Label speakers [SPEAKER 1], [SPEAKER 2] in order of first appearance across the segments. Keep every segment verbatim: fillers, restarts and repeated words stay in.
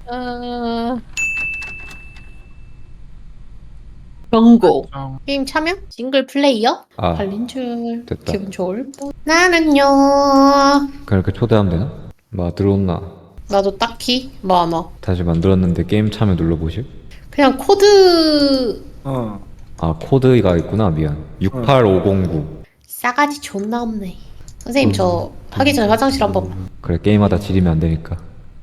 [SPEAKER 1] 어... 경고.
[SPEAKER 2] 어.
[SPEAKER 1] 게임 참여? 싱글 플레이어?
[SPEAKER 3] 아,
[SPEAKER 1] 발린 줄.
[SPEAKER 3] 됐다.
[SPEAKER 1] 기분 좋을 뻔. 나는요.
[SPEAKER 3] 그렇게 초대하면 되나? 뭐 들어온나?
[SPEAKER 1] 나도 딱히 뭐 안 와.
[SPEAKER 3] 다시 만들었는데 게임 참여 눌러보실?
[SPEAKER 1] 그냥 코드
[SPEAKER 2] 어.
[SPEAKER 3] 아, 코드가 있구나. 미안. 육팔오공구.
[SPEAKER 1] 싸가지 존나 없네. 선생님 저 하기 전에 화장실 한번.
[SPEAKER 3] 그래, 게임하다 지리면 안 되니까.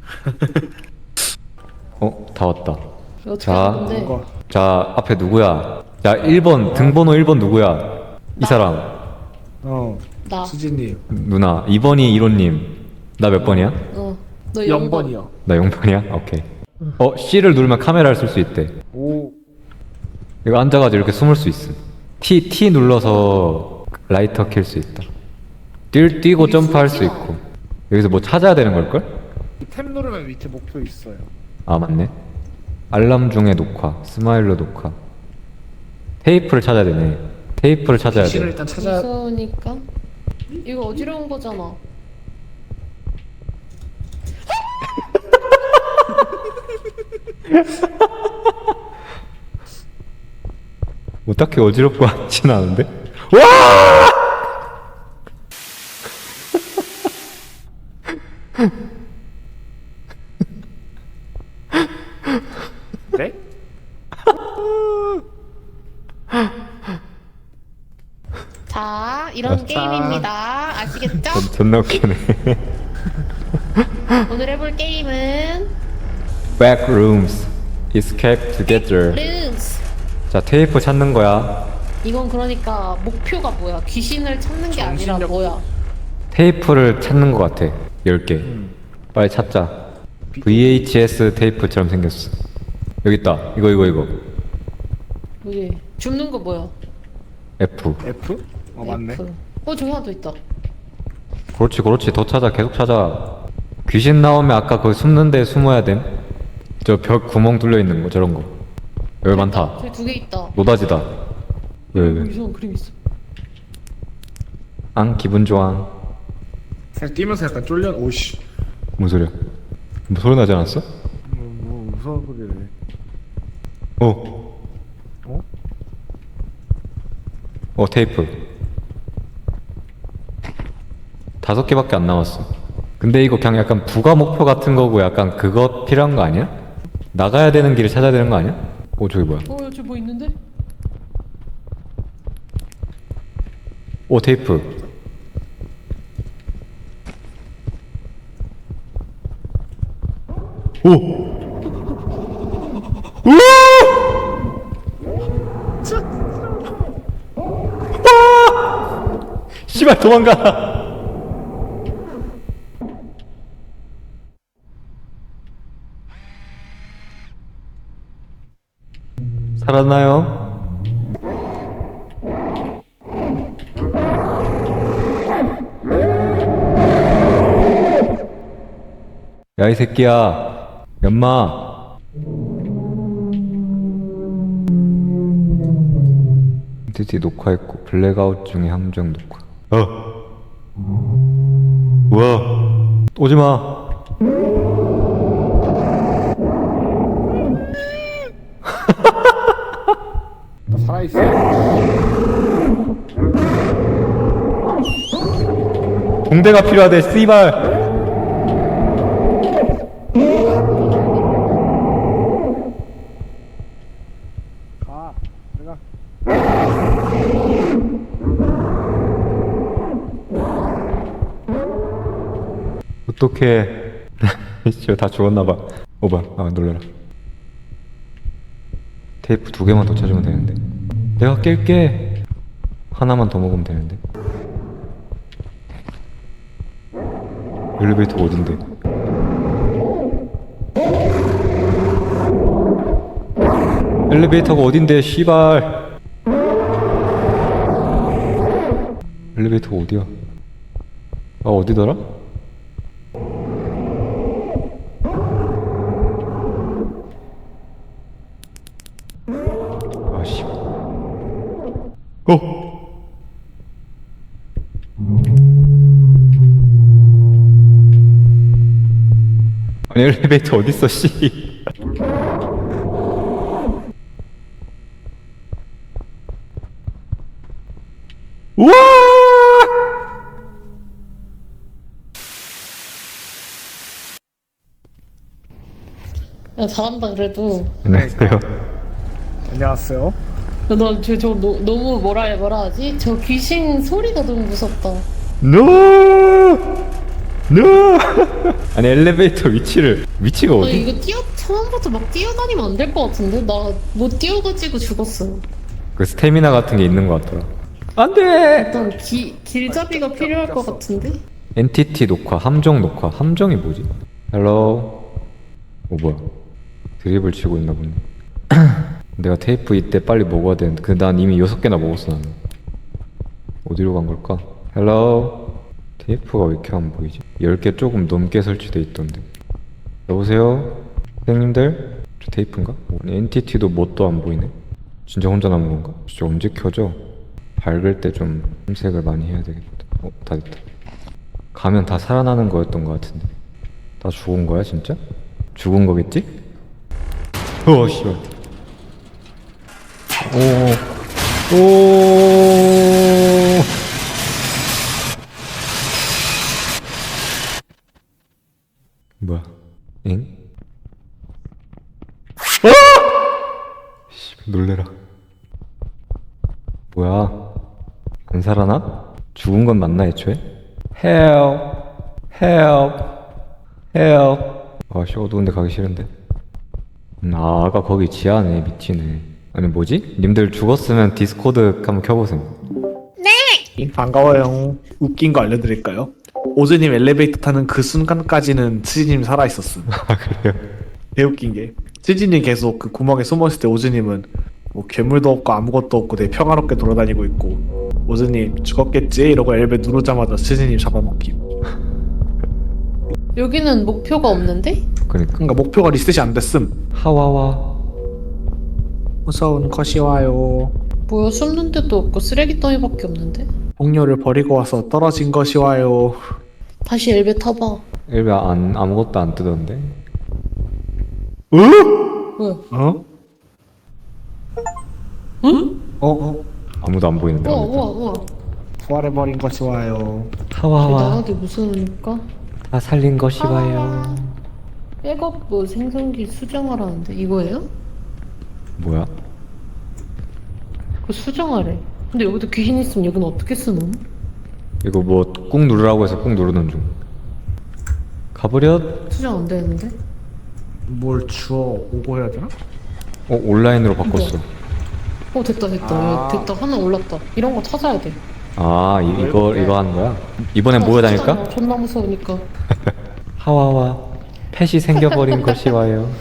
[SPEAKER 3] 어, 다 왔다.
[SPEAKER 1] 어떻게
[SPEAKER 3] 자.
[SPEAKER 1] 하는데?
[SPEAKER 2] 이거.
[SPEAKER 3] 자, 앞에 누구야? 자, 일 번 등번호 일 번 누구야? 이 사람.
[SPEAKER 2] 어.
[SPEAKER 1] 나.
[SPEAKER 2] 수진님.
[SPEAKER 3] 누나. 이 번이 이로님. 나 몇 번이야?
[SPEAKER 1] 어. 너 영 번.
[SPEAKER 2] 영 번이요.
[SPEAKER 3] 나 영 번이야? 오케이. 어, C를 누르면 카메라를 쓸 수 있대.
[SPEAKER 2] 오.
[SPEAKER 3] 이거 앉아가지고 이렇게 숨을 수 있음. T, T 눌러서 라이터 켤 수 있다. 뛰, 뛰고 점프할 수 있고. 여기서 뭐 찾아야 되는 걸걸?
[SPEAKER 2] 탭 누르면 밑에 목표 있어요.
[SPEAKER 3] 아, 맞네. 알람 중에 녹화, 스마일러 녹화. 테이프를 찾아야 되네. 테이프를 찾아야
[SPEAKER 2] 귀신을
[SPEAKER 3] 돼.
[SPEAKER 2] 일단 찾아.
[SPEAKER 1] 무서우니까. 이거 어지러운 거잖아.
[SPEAKER 3] 뭐 딱히 어지럽고 하진 않은데? 와!
[SPEAKER 2] 네?
[SPEAKER 1] 자, 이런
[SPEAKER 3] 자.
[SPEAKER 1] 게임입니다. 아시겠죠?
[SPEAKER 3] 존- 존나 웃기네.
[SPEAKER 1] 오늘 해볼 게임은
[SPEAKER 3] Backrooms. Escape together.
[SPEAKER 1] 룬스.
[SPEAKER 3] 자, 테이프 찾는 거야.
[SPEAKER 1] 이건 그러니까 목표가 뭐야? 귀신을 찾는 게 아니라
[SPEAKER 2] 정신력-
[SPEAKER 1] 뭐야?
[SPEAKER 3] 테이프를 찾는 거 같아. 열 개.
[SPEAKER 2] 음.
[SPEAKER 3] 빨리 찾자. 브이에이치에스 테이프처럼 생겼어. 여기 있다. 이거 이거 이거.
[SPEAKER 1] 뭐지? 줍는 거 뭐야?
[SPEAKER 3] F.
[SPEAKER 2] F? 어 맞네.
[SPEAKER 1] F. 어 저기 하나 더 있다.
[SPEAKER 3] 그렇지 그렇지. 더 찾아. 계속 찾아. 귀신 나오면 아까 거기 숨는 데 숨어야 됨. 저 벽 구멍 뚫려 있는 거 저런 거. 여기 많다.
[SPEAKER 1] 저기 두 개 있다.
[SPEAKER 3] 노다지다. 왜
[SPEAKER 1] 어,
[SPEAKER 3] 왜?
[SPEAKER 1] 이상한 그림 있어.
[SPEAKER 3] 앙 기분 좋아.
[SPEAKER 2] 살짝 뛰면서 약간 쫄려. 오씨.
[SPEAKER 3] 뭔 소리야? 뭐 소리 나지 않았어?
[SPEAKER 2] 뭐, 뭐 무서운 소리네.
[SPEAKER 3] 어.
[SPEAKER 2] 어?
[SPEAKER 3] 어 테이프. 다섯 개밖에 안 남았어. 근데 이거 그냥 약간 부가 목표 같은 거고 약간 그거 필요한 거 아니야? 나가야 되는 길을 찾아야 되는 거 아니야? 어 저기 뭐야?
[SPEAKER 1] 어 저기 뭐 있는데?
[SPEAKER 3] 오 테이프. 오! 오! 아! 씨발 도망가. 살았나요? 야 이 새끼야 연마. 드디 녹화했고 블랙아웃 중에 함정 녹화. 어 뭐야 오지마.
[SPEAKER 2] 나 살아있어.
[SPEAKER 3] 붕대가 필요하대 씨발.
[SPEAKER 2] 가. 내가.
[SPEAKER 3] 어떡해. 진짜 다 죽었나봐. 오바 아 놀래라. 테이프 두 개만 더 찾으면 되는데. 내가 깰게. 하나만 더 먹으면 되는데. 엘리베이터가 어딘데? 엘리베이터가 어딘데 씨발. 엘리베이터가 어디야? 아 어디더라? 아씨. 어. 아니 엘리베이터 어딨어 씨. 우와!
[SPEAKER 1] 야, 잘한다 그래도.
[SPEAKER 3] 안녕하세요.
[SPEAKER 2] 안녕하세요.
[SPEAKER 1] 나저 저 너무 뭐라 해 뭐라 하지? 저 귀신 소리가 너무 무섭다.
[SPEAKER 3] 노! 노! 아니 엘리베이터 위치를 위치가
[SPEAKER 1] 아
[SPEAKER 3] 어디?
[SPEAKER 1] 이거 뛰어 처음부터 막 뛰어다니면 안 될 것 같은데 나 못 뛰어가지고 죽었어.
[SPEAKER 3] 그 스태미나 같은 게 있는 것 같더라. 안돼.
[SPEAKER 1] 일단 기 길잡이가 필요할 것 같은데.
[SPEAKER 3] 엔티티 녹화, 함정 녹화. 함정이 뭐지? 헬로. 오 뭐야? 드립을 치고 있나 보네. 내가 테이프 이때 빨리 먹어야 되는데 근데 난 이미 여섯 개나 먹었어 나는. 어디로 간 걸까? 헬로. 테이프가 왜 이렇게 안 보이지? 열 개 조금 넘게 설치돼 있던데. 여보세요? 선생님들? 저 테이프인가? 아니 엔티티도 뭣도 안 보이네. 진짜 혼자 남은 건가? 진짜 언제 켜져? 밝을 때 좀 흰색을 많이 해야 되겠다. 어? 다 됐다. 가면 다 살아나는 거였던 것 같은데. 다 죽은 거야 진짜? 죽은 거겠지? 어 씨발. 오. 오. 뭐야? 엥? 아! 씨, 놀래라. 뭐야? 안 살아나? 죽은 건 맞나 애초에? Help, help, help. 아씨 어두운데 가기 싫은데. 음, 아 아까 거기 지하네. 미치네. 아니 뭐지? 님들 죽었으면 디스코드 한번 켜보세요.
[SPEAKER 2] 반가워요. 웃긴 거 알려드릴까요? 오즈님 엘리베이터 타는 그 순간까지는 치즈님 살아있었음.
[SPEAKER 3] 아 그래요?
[SPEAKER 2] 개웃긴 게 치즈님 계속 그 구멍에 숨어있을 때 오즈님은 뭐 괴물도 없고 아무것도 없고 되게 평화롭게 돌아다니고 있고 오즈님 죽었겠지? 이러고 엘베 누르자마자 치즈님 잡아먹힘.
[SPEAKER 1] 여기는 목표가 없는데?
[SPEAKER 3] 그러니까
[SPEAKER 2] 그러니까 목표가 리셋이 안 됐음.
[SPEAKER 3] 하와와.
[SPEAKER 2] 무서운 컷이 와요.
[SPEAKER 1] 뭐야 숨는 데도 없고 쓰레기 더미밖에 없는데?
[SPEAKER 2] 동료를 버리고 와서 떨어진 것이 와요.
[SPEAKER 1] 다시 엘베 타봐.
[SPEAKER 3] 일베 안 아무것도 안 뜨던데.
[SPEAKER 1] 왜?
[SPEAKER 2] 어?
[SPEAKER 1] 응?
[SPEAKER 2] 어? 어?
[SPEAKER 3] 아무도 안 보이는데.
[SPEAKER 1] 우와
[SPEAKER 3] 아무도.
[SPEAKER 1] 우와 우와.
[SPEAKER 2] 부활해버린 것이 와요.
[SPEAKER 3] 하와와.
[SPEAKER 1] 나가기 무서우니까.
[SPEAKER 3] 다 살린 것이 와요.
[SPEAKER 1] 백업 뭐 생성기 수정하라는데 이거예요?
[SPEAKER 3] 뭐야?
[SPEAKER 1] 그 수정하래. 근데 여기도 귀신 있으면 여기는 어떻게 쓰노?
[SPEAKER 3] 이거 뭐 꾹 누르라고 해서 꾹 누르는 중. 가버렸.
[SPEAKER 1] 수정 안 되는데?
[SPEAKER 2] 뭘 주워 오고 해야 되나?
[SPEAKER 3] 어 온라인으로 바꿨어.
[SPEAKER 1] 어 됐다 됐다.
[SPEAKER 2] 아.
[SPEAKER 1] 됐다 하나 올랐다. 이런 거 찾아야 돼.
[SPEAKER 3] 아 이, 이거 이거 하는 거야? 이번엔 뭐에 다닐까?
[SPEAKER 1] 찾아놔. 존나 무서우니까.
[SPEAKER 3] 하와와. 펫이 생겨버린 것이 와요.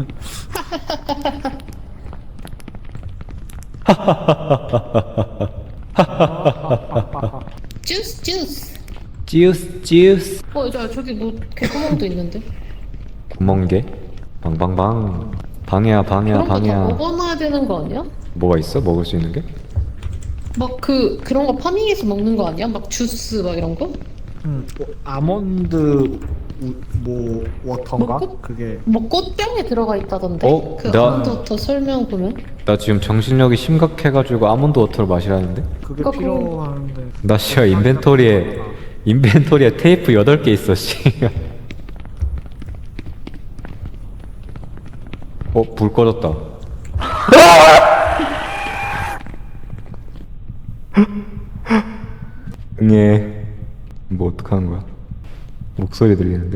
[SPEAKER 1] 주스 주스.
[SPEAKER 3] 찌우스 찌우스.
[SPEAKER 1] 어 저, 저기 뭐 개구멍도 있는데.
[SPEAKER 3] 구멍개. 방방방. 방해야 방해야
[SPEAKER 1] 그런 거 다
[SPEAKER 3] 방해야.
[SPEAKER 1] 먹어놔야 되는 거 아니야?
[SPEAKER 3] 뭐가 있어? 먹을 수 있는 게?
[SPEAKER 1] 막 그 그런 거 파밍해서 먹는 거 아니야? 막 주스 막 이런 거?
[SPEAKER 2] 음, 뭐, 아몬드 우, 뭐 워터인가?
[SPEAKER 1] 뭐 꽃?
[SPEAKER 2] 그게
[SPEAKER 1] 뭐 꽃병에 들어가 있다던데.
[SPEAKER 3] 어?
[SPEAKER 1] 그
[SPEAKER 3] 나-
[SPEAKER 1] 아몬드부터 설명 보면.
[SPEAKER 3] 나 지금 정신력이 심각해가지고 아몬드 워터를 마시라는데?
[SPEAKER 2] 그게
[SPEAKER 1] 그거-
[SPEAKER 2] 필요한데.
[SPEAKER 3] 나 씨야 인벤토리에 인벤토리에 테이프 여덟 개 있어 씨. 어? 불 꺼졌다. 응애. 뭐 어떡하는 거야? 목소리 들리는데?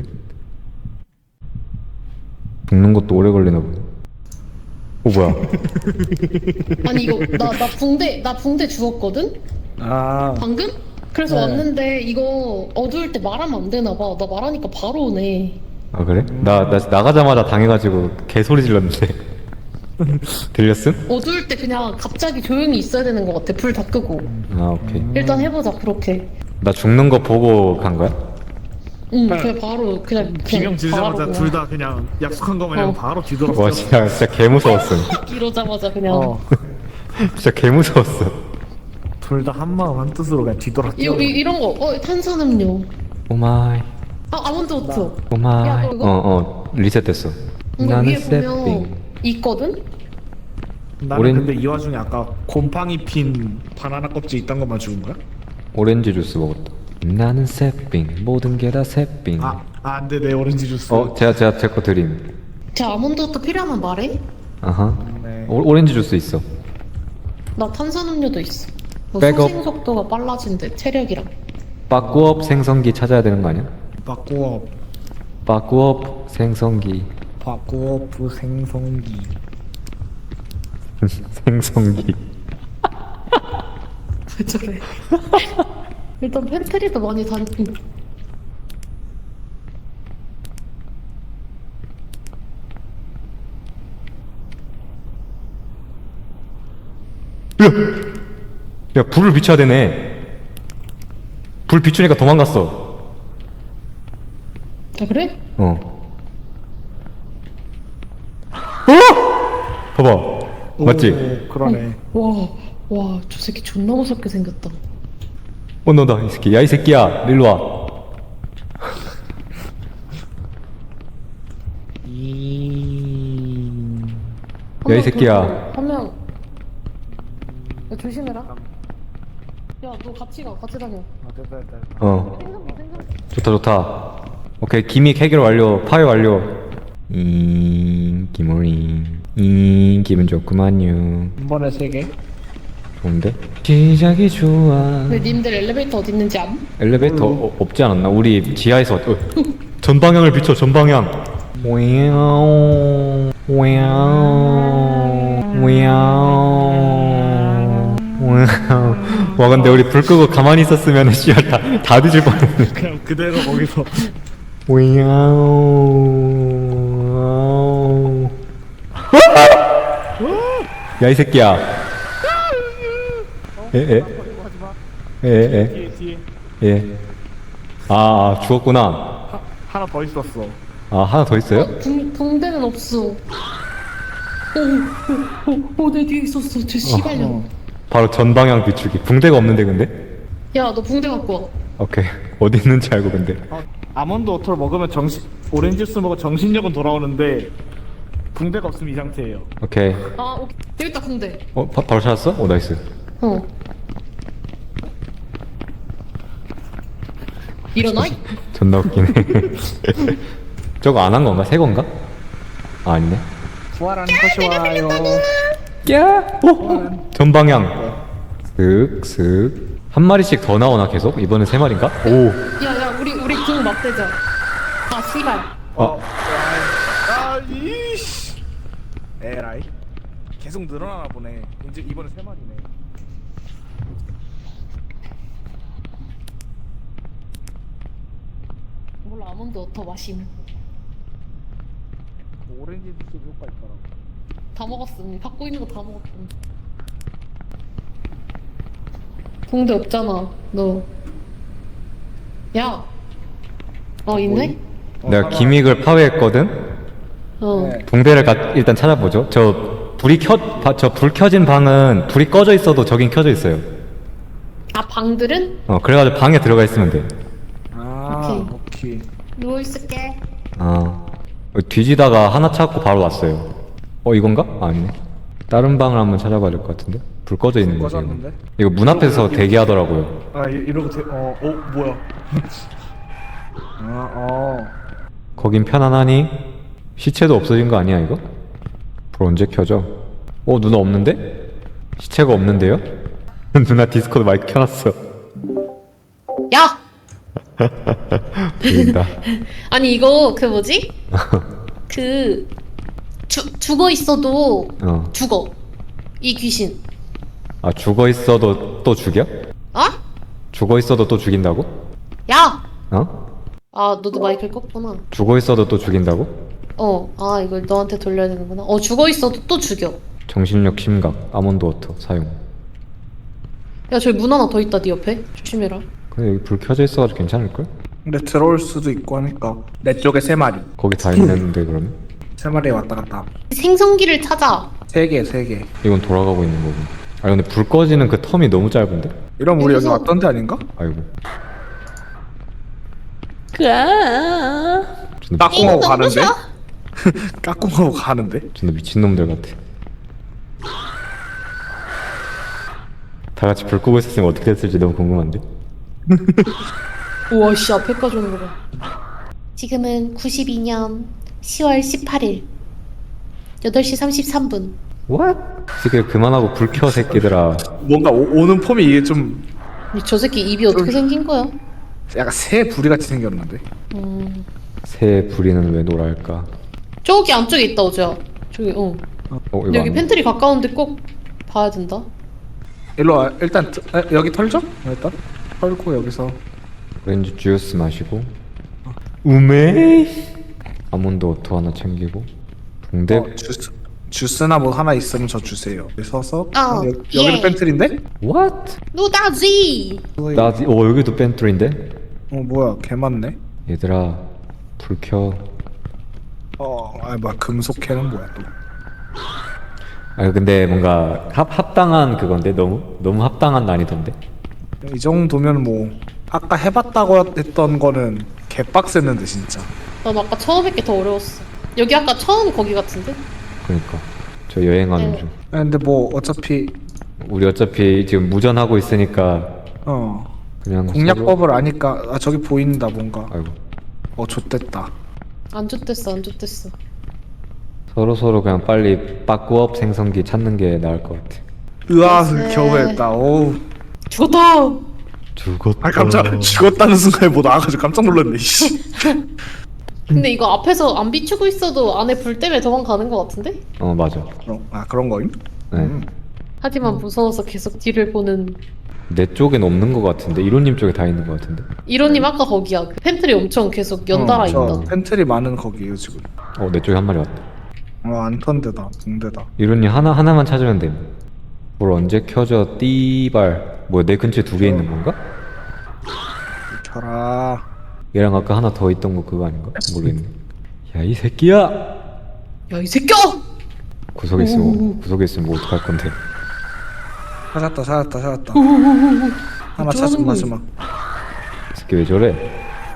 [SPEAKER 3] 죽는 것도 오래 걸리나 보네. 어 뭐야?
[SPEAKER 1] 아니 이거 나 나 붕대 나 붕대 주웠거든?
[SPEAKER 2] 아,
[SPEAKER 1] 방금? 그래서
[SPEAKER 2] 네.
[SPEAKER 1] 왔는데 이거 어두울 때 말하면 안 되나 봐. 나 말하니까 바로 오네.
[SPEAKER 3] 아 그래? 나, 나 나가자마자 당해가지고 개소리 질렀는데. 들렸음?
[SPEAKER 1] 어두울 때 그냥 갑자기 조용히 있어야 되는 것 같아. 불 다 끄고.
[SPEAKER 3] 아 오케이.
[SPEAKER 1] 일단 해보자 그렇게.
[SPEAKER 3] 나 죽는 거 보고 간 거야?
[SPEAKER 1] 응 그냥 바로 그냥
[SPEAKER 2] 비명
[SPEAKER 1] 그냥
[SPEAKER 2] 지르자마자
[SPEAKER 1] 바로
[SPEAKER 2] 둘 다 그냥 약속한 거 마냥
[SPEAKER 1] 어.
[SPEAKER 2] 바로 뒤돌았어.
[SPEAKER 3] 와 진짜 진짜 개 무서웠음.
[SPEAKER 1] 이러자마자 그냥
[SPEAKER 2] 어.
[SPEAKER 3] 진짜 개 무서웠어.
[SPEAKER 2] 둘 다 한 마음 한 뜻으로 그냥 뒤돌아
[SPEAKER 1] 이,
[SPEAKER 2] 뛰어.
[SPEAKER 1] 이, 이런 거 어 탄산음료
[SPEAKER 3] 오마이.
[SPEAKER 1] 아 아몬드 오토.
[SPEAKER 3] 고마.
[SPEAKER 1] 야, 너 이거-
[SPEAKER 3] 어어 리셋됐어.
[SPEAKER 1] 이거
[SPEAKER 3] 나는
[SPEAKER 1] 위에
[SPEAKER 3] 세핑.
[SPEAKER 1] 보면 있거든?
[SPEAKER 2] 나는
[SPEAKER 3] 오렌-
[SPEAKER 2] 근데 이 와중에 아까 곰팡이 핀 바나나 껍질 있던 것만 죽은 거야?
[SPEAKER 3] 오렌지 주스 먹었다. 나는 세핑. 모든 게 다 세핑.
[SPEAKER 2] 아, 아 안돼 내 오렌지 주스.
[SPEAKER 3] 어 제가 제가 제 거 드림.
[SPEAKER 1] 제 아몬드 오토 필요하면 말해.
[SPEAKER 3] 아하.
[SPEAKER 2] 네.
[SPEAKER 3] 오, 오렌지 주스 있어.
[SPEAKER 1] 나 탄산음료도 있어. 뭐
[SPEAKER 3] 백업.
[SPEAKER 1] 소생 속도가 빨라진대 체력이랑.
[SPEAKER 3] 빠꾸업 생성기 찾아야 되는 거 아니야?
[SPEAKER 2] 바꾸어
[SPEAKER 3] 빠꾸업 생성기.
[SPEAKER 2] 바꾸어 생성기.
[SPEAKER 3] 생성기.
[SPEAKER 1] 왜 저래? 일단 팬트리도 많이 다니고.
[SPEAKER 3] 야 불을 비춰야 되네. 불 비추니까 도망갔어.
[SPEAKER 1] 아 그래?
[SPEAKER 3] 어. 봐봐. 맞지?
[SPEAKER 2] 오, 그러네.
[SPEAKER 1] 와, 와, 저 새끼 존나 무섭게 생겼다.
[SPEAKER 3] 어 너다 이 새끼. 야 이 새끼야 일로 와.
[SPEAKER 2] 이.
[SPEAKER 3] 야, 이 새끼야.
[SPEAKER 1] 한 명. 야, 조심해라. 야, 너 같이 가, 같이 다녀.
[SPEAKER 2] 아, 됐다 됐다.
[SPEAKER 3] 어.
[SPEAKER 1] 생선, 생선.
[SPEAKER 3] 좋다 좋다. 오케이 기믹 해결 완료. 파괴 완료. 잉 기모링. 잉 기분 좋구만요.
[SPEAKER 2] 한 번에 세 개.
[SPEAKER 3] 좋은데? 시작이 좋아.
[SPEAKER 1] 근데 님들 엘리베이터 어디 있는지 암?
[SPEAKER 3] 엘리베이터 어, 없지 않았나? 우리 지하에서 어, 전방향을 비춰 전방향. 와우 와우 와우 와우. 와 근데 우리 불 끄고 가만히 있었으면 씨발 다, 다 뒤질 뻔했네.
[SPEAKER 2] 그냥 그대로 거기서.
[SPEAKER 3] 와우. 야 이 새끼야. 에에 에에
[SPEAKER 2] 뒤에 뒤에.
[SPEAKER 3] 예. 아 죽었구나.
[SPEAKER 2] 하, 하나 더 있었어.
[SPEAKER 3] 아 하나 더 있어요?
[SPEAKER 1] 어, 붕, 붕대는 없어. 오, 오, 오, 오, 내 뒤에 있었어. 저 씨발년.
[SPEAKER 3] 바로 전방향 비추기. 붕대가 없는데 근데?
[SPEAKER 1] 야, 너 붕대 갖고 와.
[SPEAKER 3] 오케이. 어디 있는지 알고 근데.
[SPEAKER 2] 어, 아몬드 워터를 먹으면 정신 오렌지 주스 먹으면 정신력은 돌아오는데 붕대가 없으면 이 상태예요.
[SPEAKER 3] 오케이.
[SPEAKER 1] 아, 오케이. 여기 있다, 붕대.
[SPEAKER 3] 어 바, 바로 찾았어? 오 나이스.
[SPEAKER 1] 어. 일어나?
[SPEAKER 3] 존나 웃기네. 저거 안 한 건가? 새 건가? 아 아니네.
[SPEAKER 2] 부활하는 것이 와요.
[SPEAKER 3] 야! 오! 전방향. 슥슥. 한 마리씩 더 나오나 계속? 이번엔 세 마리인가? 오.
[SPEAKER 1] 야, 야, 우리, 우리 궁 맞대자. 아, 씨발.
[SPEAKER 3] 어.
[SPEAKER 2] 아 이씨. 에라이. 계속 늘어나나 보네. 이제 이번에 세 마리네.
[SPEAKER 1] 몰라, 아몬드 워터 마심.
[SPEAKER 2] 그 오렌지 주스 효과 있더라고.
[SPEAKER 1] 다 먹었음. 갖고 있는 거 다 먹었음. 붕대 없잖아, 너. 야. 어, 있네?
[SPEAKER 3] 내가 기믹을 파괴했거든?
[SPEAKER 1] 어.
[SPEAKER 2] 네.
[SPEAKER 3] 붕대를 가, 일단 찾아보죠. 저 불이 켜, 저 불 켜진 방은 불이 꺼져 있어도 저긴 켜져 있어요.
[SPEAKER 1] 아, 방들은?
[SPEAKER 3] 어, 그래가지고 방에 들어가 있으면 돼.
[SPEAKER 2] 아
[SPEAKER 1] 오케이.
[SPEAKER 2] 오케이.
[SPEAKER 1] 누워있을게.
[SPEAKER 3] 아. 뒤지다가 하나 찾고 바로 왔어요. 어, 이건가? 아, 아니네. 다른 방을 한번 찾아봐야 될 것 같은데? 불 꺼져 있는 거지. 이거.
[SPEAKER 2] 꺼졌는데?
[SPEAKER 3] 이거 문 앞에서 대기하더라고요.
[SPEAKER 2] 아 이- 이러고 돼. 어, 어 뭐야? 아 어.
[SPEAKER 3] 거긴 편안하니? 시체도 없어진 거 아니야, 이거? 불 언제 켜져? 어, 누나 없는데? 시체가 없는데요? 누나 디스코드 마이크 켜놨어.
[SPEAKER 1] 야!
[SPEAKER 3] 보인다.
[SPEAKER 1] 아니, 이거, 그 뭐지? 그, 주, 죽어 있어도
[SPEAKER 3] 어.
[SPEAKER 1] 죽어. 이 귀신.
[SPEAKER 3] 아, 죽어 있어도 또 죽여?
[SPEAKER 1] 어?
[SPEAKER 3] 죽어 있어도 또 죽인다고?
[SPEAKER 1] 야!
[SPEAKER 3] 어?
[SPEAKER 1] 아, 너도 마이크를 껐구나.
[SPEAKER 3] 죽어 있어도 또 죽인다고?
[SPEAKER 1] 어, 아, 이걸 너한테 돌려야 되는구나. 어, 죽어 있어도 또 죽여.
[SPEAKER 3] 정신력 심각, 아몬드 워터 사용.
[SPEAKER 1] 야, 저기 문 하나 더 있다, 네 옆에. 조심해라.
[SPEAKER 3] 근데 여기 불 켜져 있어가지고 괜찮을걸?
[SPEAKER 2] 근데 들어올 수도 있고 하니까 내 쪽에 세 마리.
[SPEAKER 3] 거기 다 있는데 그러면?
[SPEAKER 2] 세 마리 왔다 갔다.
[SPEAKER 1] 생성기를 찾아.
[SPEAKER 2] 세 개, 세 개.
[SPEAKER 3] 이건 돌아가고 있는 거고. 아 근데 불 꺼지는 그 텀이 너무 짧은데?
[SPEAKER 2] 이러면 우리 여기
[SPEAKER 1] 여기서-
[SPEAKER 2] 왔던 데 아닌가?
[SPEAKER 3] 아이고. 존나,
[SPEAKER 2] 까꿍하고 가는데? 까꿍하고 가는데?
[SPEAKER 3] 존나 미친놈들 같아. 다 같이 불 끄고 있었으면 어떻게 됐을지 너무 궁금한데?
[SPEAKER 1] 우와 씨 앞에까지 오는 거 봐.
[SPEAKER 4] 지금은 구십이 년 시월 십팔일 여덟 시 삼십삼 분.
[SPEAKER 3] What? 새끼들 그만하고 불 켜 새끼들아.
[SPEAKER 2] 뭔가 오, 오는 폼이 이게 좀
[SPEAKER 1] 저 새끼 입이 어떻게 생긴 거야?
[SPEAKER 2] 약간 새 부리 같이 생겼는데.
[SPEAKER 1] 음
[SPEAKER 3] 새 부리는 왜 노랄까?
[SPEAKER 1] 저기 안쪽에 있다 오지야. 저기 어.
[SPEAKER 3] 어 이거
[SPEAKER 1] 근데 여기
[SPEAKER 3] 안-
[SPEAKER 1] 팬트리 가까운데 꼭 봐야 된다.
[SPEAKER 2] 일로 와. 일단 트- 에, 여기 털죠? 일단 털고 여기서
[SPEAKER 3] 오렌지 주스 마시고 우메 아몬드 워터 하나 챙기고 붕대.
[SPEAKER 2] 어, 주스 주스나 뭐 하나 있으면 저 주세요. 여기 서서
[SPEAKER 4] 아,
[SPEAKER 2] 어, 여, 여기는
[SPEAKER 4] 예.
[SPEAKER 2] 팬트리인데?
[SPEAKER 3] What?
[SPEAKER 4] 노다지.
[SPEAKER 3] 나 어 여기도 펜트리인데?
[SPEAKER 2] 어 뭐야 개 많네.
[SPEAKER 3] 얘들아 불 켜.
[SPEAKER 2] 어, 아 뭐야 금속캐는 뭐야 또?
[SPEAKER 3] 아 근데 뭔가 합, 합당한 그건데 너무 너무 합당한 난이던데.
[SPEAKER 2] 이 정도면 뭐 아까 해봤다고 했던 거는 개빡셌는데 진짜.
[SPEAKER 1] 난 아까 처음 했게 더 어려웠어. 여기 아까 처음 거기 같은데?
[SPEAKER 3] 그러니까 저 여행하는
[SPEAKER 1] 네.
[SPEAKER 3] 중.
[SPEAKER 2] 아, 근데 뭐 어차피
[SPEAKER 3] 우리 어차피 지금 무전하고 있으니까
[SPEAKER 2] 어
[SPEAKER 3] 그냥
[SPEAKER 2] 공략법을 아니까 아 저기 보인다 뭔가.
[SPEAKER 3] 서로, 아이고
[SPEAKER 2] 어 좆됐다.
[SPEAKER 1] 안 좋댔어 안 좋댔어.
[SPEAKER 3] 서로 서로 그냥 빨리 빠꾸업 생성기 찾는 게 나을 것 같아.
[SPEAKER 2] 으아
[SPEAKER 1] 글쎄.
[SPEAKER 2] 겨우 했다. 어우.
[SPEAKER 1] 죽었다!
[SPEAKER 3] 죽었다.
[SPEAKER 2] 아 깜짝 죽었다는 순간에 뭐 나와가지고 깜짝 놀랐네. 씨.
[SPEAKER 1] 근데 이거 앞에서 안 비추고 있어도 안에 불 때문에 도망가는 거 같은데?
[SPEAKER 3] 어 맞아.
[SPEAKER 2] 그런 아 그런 거임?
[SPEAKER 3] 네.
[SPEAKER 2] 음.
[SPEAKER 1] 하지만 무서워서 계속 뒤를 보는.
[SPEAKER 3] 내 쪽엔 없는 것 같은데 이론님 쪽에 다 있는 것 같은데.
[SPEAKER 1] 이론님 아까 거기야. 그 팬트리 엄청 계속 연달아
[SPEAKER 2] 어, 저
[SPEAKER 1] 있다.
[SPEAKER 2] 팬트리 많은 거기에요 지금.
[SPEAKER 3] 어 내 쪽에 한 마리 왔다.
[SPEAKER 2] 어 안턴데다 붕대다.
[SPEAKER 3] 이론님 하나 하나만 찾으면 돼. 뭘 언제 켜져 띠발. 뭐야 내 근처에 두 개 있는 건가?
[SPEAKER 2] 켜라.
[SPEAKER 3] 얘랑 아까 하나 더 있던 거 그거 아닌가? 모르겠네. 야 이 새끼야!
[SPEAKER 1] 야 이 새끼야!
[SPEAKER 3] 구석에 있으면 구석에 있으면 뭐 어떡할 건데?
[SPEAKER 2] 찾았다 찾았다 찾았다.
[SPEAKER 1] 오오오오.
[SPEAKER 2] 하나
[SPEAKER 1] 어쩌라는
[SPEAKER 2] 찾은
[SPEAKER 1] 거야?
[SPEAKER 2] 마지막.
[SPEAKER 3] 이 새끼 왜 저래?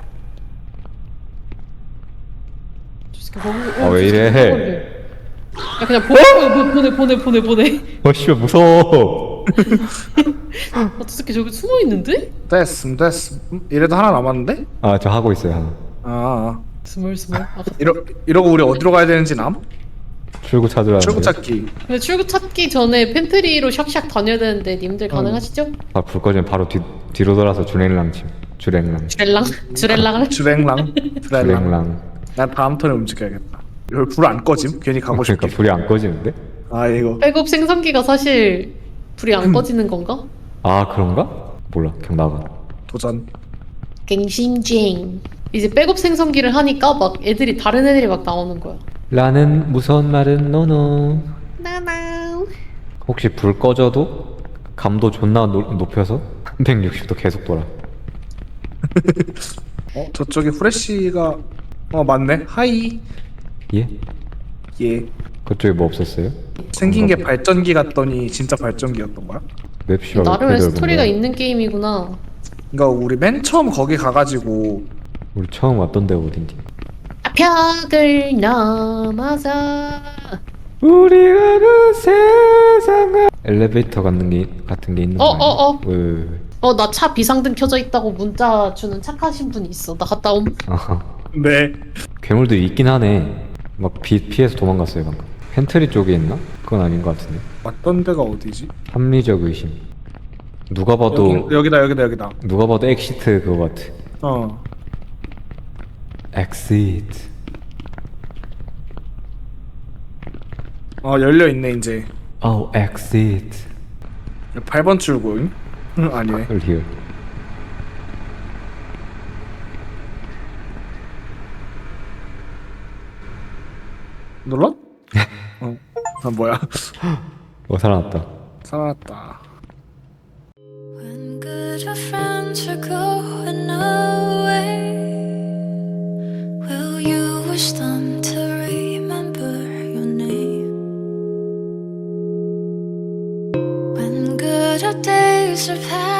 [SPEAKER 1] 저 새끼 거기.
[SPEAKER 3] 아, 왜 이래?
[SPEAKER 1] 야 그냥 보내 보내 보내 보내 보내.
[SPEAKER 3] 어 씨발 무서워.
[SPEAKER 1] 아, 저 새끼 저기 숨어 있는데?
[SPEAKER 2] 됐음 됐음. 음, 이래도 하나 남았는데?
[SPEAKER 3] 아 저 하고 있어요 하나.
[SPEAKER 2] 아, 아.
[SPEAKER 1] 스멀 스멀. 아,
[SPEAKER 2] 이러 이러고 우리 어디로 가야 되는지 남?
[SPEAKER 3] 출구 찾으라는데.
[SPEAKER 2] 출구 찾기.
[SPEAKER 1] 근데 출구 찾기 전에 팬트리로 샥샥 다녀야 되는데 님들 가능하시죠?
[SPEAKER 3] 아, 불 꺼지면 바로 뒤 뒤로 돌아서 주랭랑 침. 주랭랑.
[SPEAKER 1] 주렐랑? 주렐랑을?
[SPEAKER 2] 주랭랑. 주랭랑.
[SPEAKER 3] 주랭랑.
[SPEAKER 2] 난 다음 턴에 움직여야겠다. 여기 불 안 꺼짐? 괜히 가고 싶게.
[SPEAKER 3] 그러니까 불이 안 꺼지는데?
[SPEAKER 2] 아 이거.
[SPEAKER 1] 백업 생성기가 사실 불이 안 꺼지는 건가?
[SPEAKER 3] 아 그런가? 몰라. 그냥 나가.
[SPEAKER 2] 도전.
[SPEAKER 1] 갱신쟁. 이제 백업 생성기를 하니까 막 애들이 다른 애들이 막 나오는 거야.
[SPEAKER 3] 라는 무서운 말은 노노.
[SPEAKER 4] 나나.
[SPEAKER 3] 혹시 불 꺼져도 감도 존나 노, 높여서 삼백육십 도 계속 돌아.
[SPEAKER 2] 어 저쪽에 후레쉬가 어 맞네. 하이.
[SPEAKER 3] 예?
[SPEAKER 2] 예.
[SPEAKER 3] 그쪽에 뭐 없었어요?
[SPEAKER 2] 생긴 게 발전기 같더니 진짜 발전기였던 거야?
[SPEAKER 3] 맵시가
[SPEAKER 1] 나름의 스토리가 있는 게임이구나.
[SPEAKER 2] 그러니까 우리 맨 처음 거기 가가지고
[SPEAKER 3] 우리 처음 왔던 데가 어딘지.
[SPEAKER 1] 벽을 넘어서.
[SPEAKER 3] 우리가 그 세상을 엘리베이터 같은 게 같은 게 있는 거
[SPEAKER 1] 어,
[SPEAKER 3] 아니야?
[SPEAKER 1] 어, 어.
[SPEAKER 3] 왜, 왜, 왜.
[SPEAKER 1] 어, 나 차 비상등 켜져 있다고 문자 주는 착하신 분이 있어. 나 갔다 옴.
[SPEAKER 3] 아하.
[SPEAKER 2] 네.
[SPEAKER 3] 괴물들이 있긴 하네. 막 비, 피해서 도망갔어요 방금. 펜트리 쪽에 있나? 그건 아닌 것 같은데.
[SPEAKER 2] 왔던 데가 어디지?
[SPEAKER 3] 합리적 의심. 누가 봐도
[SPEAKER 2] 여기, 여기다 여기다 여기다.
[SPEAKER 3] 누가 봐도 엑시트 그거 같아.
[SPEAKER 2] 어.
[SPEAKER 3] 엑시트.
[SPEAKER 2] 어 열려 있네 이제.
[SPEAKER 3] 오 엑시트.
[SPEAKER 2] 팔 번 출구. 응? 응 아니네.
[SPEAKER 3] 리얼.
[SPEAKER 2] 눌러? 어. 아 뭐야?
[SPEAKER 3] 어 살아났다.
[SPEAKER 2] 살아났다.
[SPEAKER 5] When good friends are going away, will you wish them to remember your name? When good days are passing